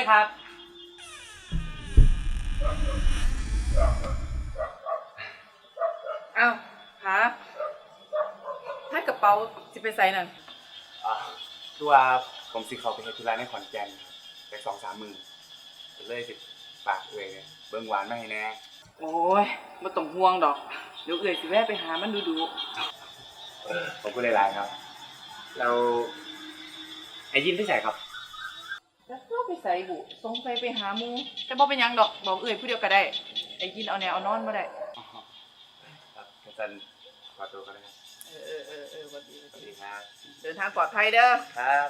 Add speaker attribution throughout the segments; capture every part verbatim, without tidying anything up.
Speaker 1: ครับ
Speaker 2: อ้าวหาถ้ากระเป๋าจะไปใส่นั่น
Speaker 3: อ่าคือว่าผมสิเขาไปเฮ็ดธุระในขอนแก่นไปสองสามมือเลยสิฝากเอ่ยเบิ่งหวานมาให้แน่
Speaker 2: โอ้ยไม่ต้องห่วงดอกเดี๋ยวเอื่อยสิแวะไปหามันดูดู
Speaker 3: ผมก็เลยไลน์ครับเราไอ้ยินที่ใส่ครับ
Speaker 2: แล้วเราไปใส่บุสงสัยไปหาหมูแต่บ่เป็นหยังดอกบอกเอื่อยผู้เดียวก็ได้ไอ้ยินเอาแนวเอานอนมาได้
Speaker 3: ครับอาจารย์ขอตัวก็ได้ครับ
Speaker 2: เออเออเออเออวันดีวัน
Speaker 3: สวัส
Speaker 2: ดี
Speaker 3: ดีครับ
Speaker 2: เดินทางปลอดภัยเด้อ
Speaker 3: ครับ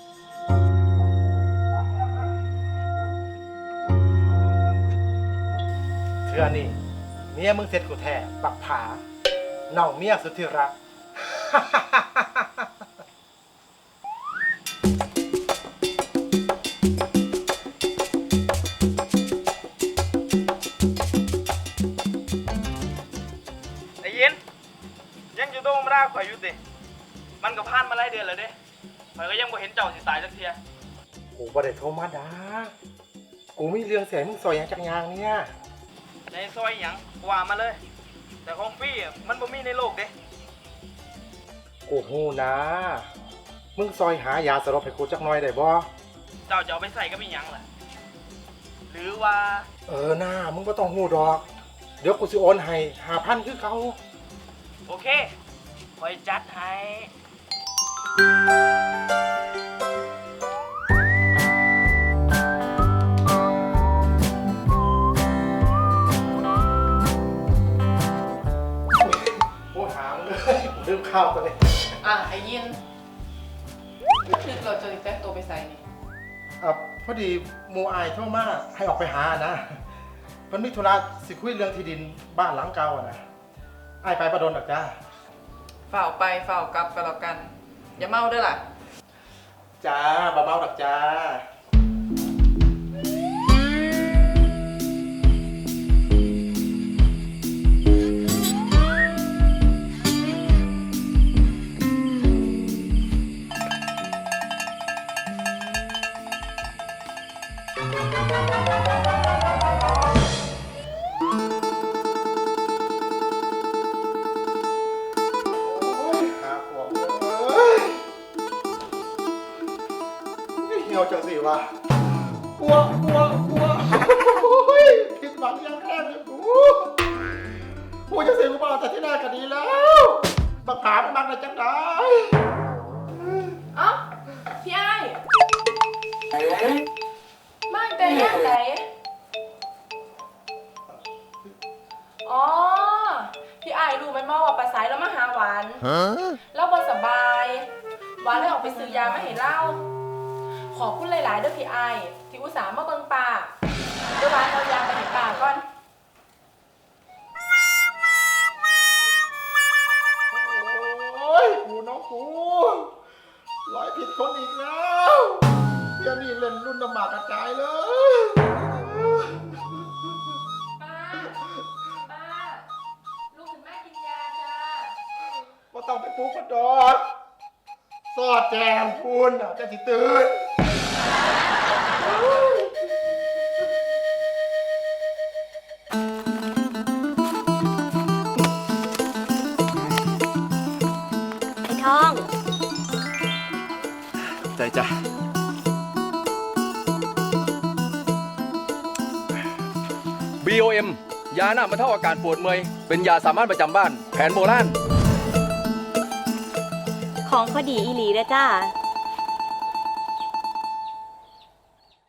Speaker 4: เทื่อนี่เมียมึงเสร็จกูแท้ปักผาน้องเมียสุดที่รัก
Speaker 1: ไอ้ยินยังอยู่ตรงมาได้ข่อยอยู่ติมันก็ผ่านมาหลายเดือนแล้วเด้ข่อยก็ยังบ่เห็นเจ้าสิตายสักเทีย
Speaker 4: กูบ่ได้โทรมาด่ากูมีเรื่องเสียมึงซอยอย่างจักอย่างเนี่ย
Speaker 1: ในซอยหยังว่ามาเลย แต่ของพี่อะมันบ่มีในโลกเด้
Speaker 4: กูฮู้นะ มึงซอยหายาสลบให้กูจักหน่อยได้บ่
Speaker 1: เจ้าจะเอาไปใส่ก็มีหยังล่ะหรือว่า
Speaker 4: เออหน้ามึงก็ต้องฮู้ดอก เดี๋ยวกูสิโอนให้ห้าพันคือเขา
Speaker 1: โอเคข่อยจัดให้
Speaker 4: กูหามึงเลยกูลืมข้าวตัวนี้
Speaker 2: อ่ะไอ้ยินนึกเราจะแต่งตัวไปใส่นี่
Speaker 4: อ่ะพอดีหมูอายโทรมาให้ออกไปหานะมันมีธุระสิคุยเรื่องที่ดินบ้านหลังเก่าอะนะอายไปประดนหรอกจ้า
Speaker 2: ฝ่าวไปฝ่าวกลับกันแล้วกัน อย่าเมาเด้อล่ะ
Speaker 4: จ้าบ่เมาดอกจ้า โอ้ยหาขวบเอ้ยเหี่ยวจังสิวะกลัวกลัวกลัวโอ้ยผิดหวังยังแค่เลยกูกูจะเสียกูมาแต่ที่หน้าก็ดีแล้วบักผาไม่มักเลยจังได้
Speaker 5: เอ้าพี่ไอ้มาแต่ย่างไหนอ๋อ พี่ไอ้รู้ไหมว่าว่าปลาสายแล้วมาหาหวานเราบ่สบาย หวานเลยออกไปซื้อยามาให้เล่า ขอบคุณหลายๆเด้อพี่ไอ้ที่อุตส่าห์มาเบิ่งป่าเดี๋ยวหวานเอายาไปให้ป่าก่อน
Speaker 4: โอ้ยกูน้องกูร้อยผิดคนอีกแล้วเดี๋ยวนี้เล่นรุ่นน้ำหมากกระจายเลย
Speaker 5: ป้า ป้า ลูกถึงแม่กินยาจ้า
Speaker 4: ว่าต้องไปปลุกกระดอกสอดแจมคุณอ่ะจะสิตื่น
Speaker 6: ไอ้ทอง
Speaker 3: ใจจ้ะ
Speaker 7: บี โอ เอ็ม ยาหน้าบรรเทาอาการปวดเมื่อย เป็นยาสามารถประจำบ้าน แผนโบราณ
Speaker 6: ของพอดีอีหลีเด้อจ้า